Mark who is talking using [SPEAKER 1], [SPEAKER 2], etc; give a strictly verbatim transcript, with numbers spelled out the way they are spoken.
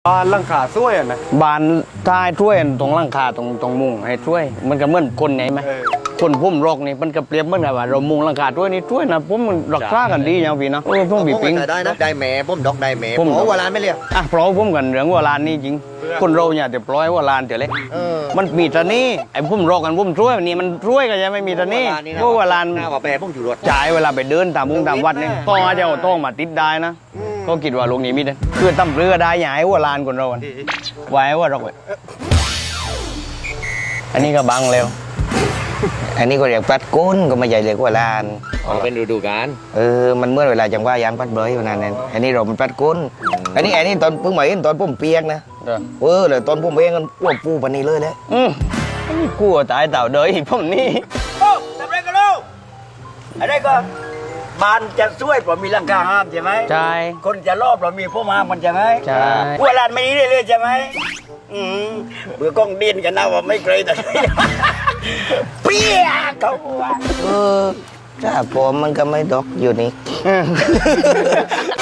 [SPEAKER 1] บ้านหลังคาสวยอ่ะนะ
[SPEAKER 2] บานท้ายช่วยตรงหลังคาตรงตรงมุงให้ช่วย มันก็เหมือนคนไหนไหม
[SPEAKER 1] เออ
[SPEAKER 2] คนพุ่มรกนี่มันก็เปรียบเหมือนกับว่าเรามุงหลังคาด้วยนี่ช่วยนะผมมันรักษากันดีอย่างพี่เนาะเออผมบีปิง
[SPEAKER 3] ได้นะได้แหม่ผมดอกได้แหม่
[SPEAKER 2] ผม
[SPEAKER 3] โอ้เวลาไม่เรียก
[SPEAKER 2] อ่ะเพราะผมกันเรื่องว่าลานนี่จริง คนเราเนี่ยจะปล่อยว่าลานเดี๋ยวเล็ก
[SPEAKER 3] เออ
[SPEAKER 2] มันมีตะนี่ไอ้พุ่มรกกันพุ่มช่วยนี่มันช่วยกันยังไม่มีตะนี่เพราะว่าลาน
[SPEAKER 3] หน้าว่าแปรผมอยู่รถ
[SPEAKER 2] จ่ายเวลาไปเดินตามมุงตามวัดเนี่ยก็อาจจะเอาโต้งมาติดได้นะ
[SPEAKER 3] อืม
[SPEAKER 2] ก็คิดว่าลงนี้มิดนะคือตั้มเรือได้ใหญ่ว่าลานคนเราอะไว้ว่าเราอันนี้ก็บังแล้ว
[SPEAKER 4] อันนี้ก็เรียกปัดก้นก็ไม่ใหญ่เรียกว่าลาน
[SPEAKER 3] เป็นฤดูกาล
[SPEAKER 4] เออมันเมื่อเวลาจังว่ายางปัดเบยวันนั้นนั่นอันนี้เรามันปัดก้นอันนี้อันนี้ตอนเพิ่งมาเห็นตอนผมเปียกนะ
[SPEAKER 2] เออ
[SPEAKER 4] เออเลยตอนผมเองกันพวกปูปันนี้เลยแหละ
[SPEAKER 2] อืมอันนี้กลัวตายเต่าเดยอีกผมนี่
[SPEAKER 5] โอ้ทำไรกันลูกอะไรก็บ้านจะช่วยเพราะมีหลังคาห้ามใช่ไหม
[SPEAKER 2] ใช่
[SPEAKER 5] คนจะรอบเรามีพวกห้ามมันใช่ไหม
[SPEAKER 2] ใช่
[SPEAKER 5] พวกลานไม่นี้เรื่อยๆใช่ไหมอืมเบื่อกล้องดินกันนะว่าไม่เคยแต่ เปี้ยเขาว่า
[SPEAKER 4] เออถ้าผมมันก็ไม่ดอกอยู่นี่